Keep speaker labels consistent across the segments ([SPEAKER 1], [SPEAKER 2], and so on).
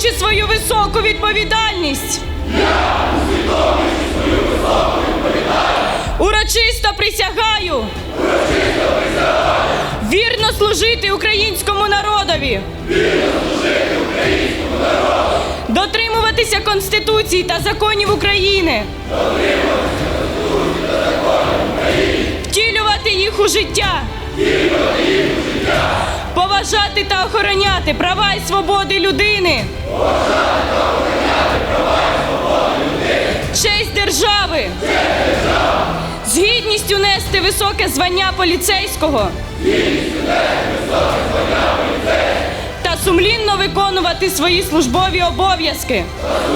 [SPEAKER 1] усвідомлюючи свою високу відповідальність, урочисто присягаю вірно служити українському народові, дотримуватися Конституції та законів України, втілювати їх у життя, поважати та охороняти права і свободи людини, честь держави, з гідністю нести високе звання поліцейського та сумлінно виконувати свої службові обов'язки.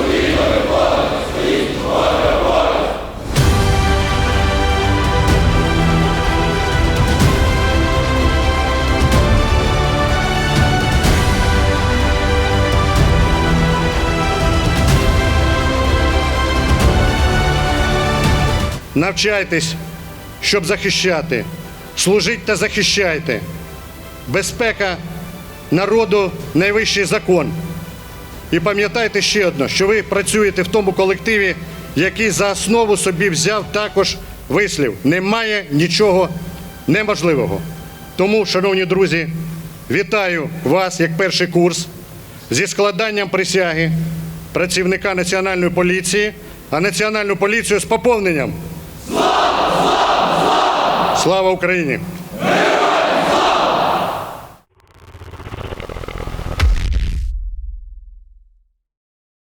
[SPEAKER 2] Навчайтесь, щоб захищати. Служіть та захищайте. Безпека народу – найвищий закон. І пам'ятайте ще одне, що ви працюєте в тому колективі, який за основу собі взяв також вислів «Немає нічого неможливого». Тому, шановні друзі, вітаю вас як перший курс зі складанням присяги працівника Національної поліції, а Національну поліцію з поповненням. Слава Україні!